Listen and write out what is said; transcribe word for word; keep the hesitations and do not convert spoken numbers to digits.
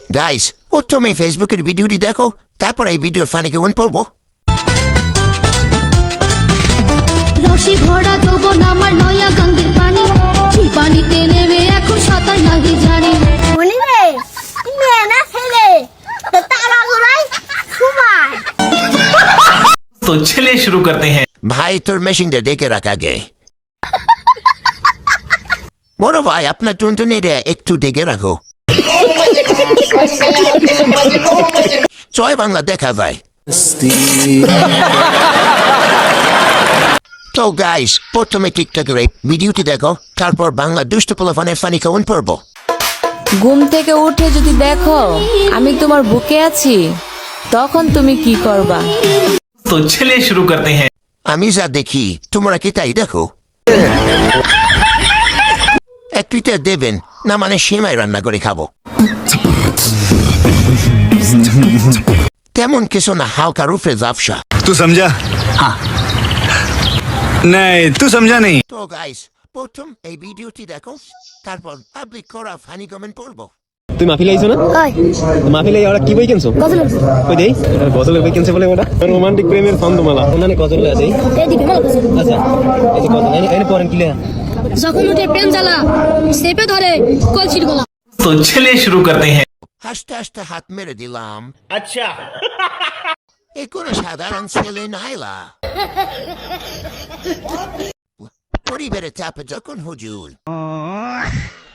Guys প্রথমে ফেসবুকের ভিডিওটি দেখো, তারপর এই ভিডিওর ফানি কেমন পড়বো। রশি ভরা যৌবন আমার নয়া গঙ্গের পানি, সেই পানিতে নেমে এখন সাঁতার নাহি জানি। মনিরে মেয়ে না ছেলে তো তারা গোড়ায় সময়। तो चलिए शुरू करते हैं। ভাই তোর মেশিনটা ডেকে রাখ আগে। বড় ভাই আপনার টুনটুনিটা একটু ডেকে রাখো। জয় বাংলা দেখা ভাই। তো গাইস প্রথমে টিকটকের এই ভিডিওটি দেখো, তারপর বাংলা দুষ্ট পোলাপানের ফানি কেমন পড়বো। ঘুম থেকে উঠে যদি দেখো আমি তোমার বুকে আছি, তখন তুমি কি করবা? तो चलिए शुरू करते हैं। আমি যা দেখি তোমরা কি তাই দেখো। একটুটা দেবেন না, মানে সেমাই রান্না করে খাবো। তেমন কিছু না, হালকা রূপে জাফসা। तू समझा? हाँ। नहीं तू समझा नहीं। তো গাইস প্রথম এই ভিডিওটি দেখো, তারপর পাবলিক করা ফানি কমেন্ট পড়বো। তুই মাহফিলে আইছো না? কই মাহফিলে ওরা কি বই কিনছো? গজল কই দেই? এটা গজলের বই কিনছে বলে ওটা রোমান্টিক প্রেমের ছন্দমালা। ওখানে গজল আছে। এই দিবি মাল গজল। আচ্ছা এই যে গজল এনে এনে পড়েন কি লেখা? যখন উঠে প্রেম জ্বালা সেপে ধরে কলসির গলা। तो चलिए शुरू करते हैं। হাসতে হাসতে হাত মেরে দিলাম। আচ্ছা এ কোনো সাধারণ ছেলে নাইলা। পরিবারের চাপে যখন হুজুর